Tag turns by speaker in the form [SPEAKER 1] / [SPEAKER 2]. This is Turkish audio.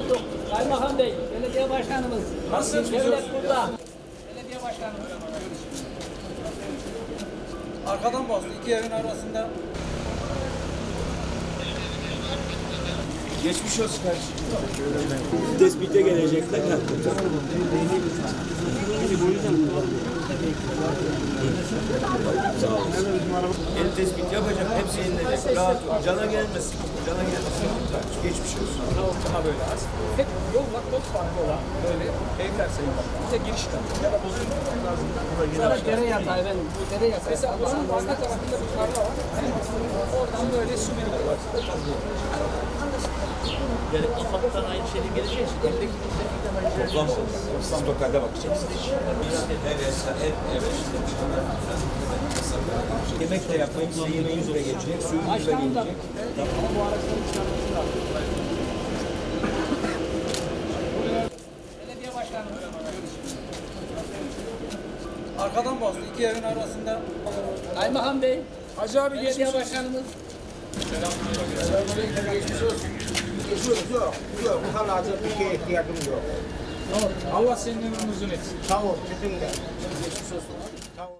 [SPEAKER 1] Kaymakam Bey, belediye başkanımız.
[SPEAKER 2] Nasılsınız?
[SPEAKER 1] Devlet burada. Belediye başkanımız.
[SPEAKER 2] Arkadan bastı. İki evin arasında. Geçmiş olsun kardeşim.
[SPEAKER 3] Tespite gelecekler. Sağ olun. El tespit yapacak, hepsi yenilecek. Rahat ol. Cana gelmesin. Cana gelmesin. Geçmiş olsun.
[SPEAKER 2] Daha böyle az. Hep yolla kod farkı olan böyle evler sayın bak. Bir de giriş katı ya da bozulmuş lazım.
[SPEAKER 1] Sonra dere yatağı efendim. Bu dere yatağı.
[SPEAKER 2] Mesela buranın arka tarafında bir tarla var. Oradan böyle su birikiyor.
[SPEAKER 4] Yani AFAD'dan aynı şeyle geleceği için evdeki
[SPEAKER 3] Toplam siz totalde bakacaksınız. Yemek de yapmayın. Size yemeğiniz de gelecek. Suyunuz da
[SPEAKER 1] Başkanım da
[SPEAKER 3] gelecek.
[SPEAKER 1] bu araçları çıkarması lazım. Belediye başkanımız.
[SPEAKER 2] Arkadan bastı. İki evin arasında.
[SPEAKER 1] Kaymakam Bey,
[SPEAKER 2] Hacı abi
[SPEAKER 1] belediye başkanımız.
[SPEAKER 5] Yok. Bu kadar acil bir şeye ihtiyacım yok.
[SPEAKER 2] Allah senin ömrünü uzun etsin.
[SPEAKER 5] Sağ ol. Sizin de.
[SPEAKER 2] Geçmiş olsun.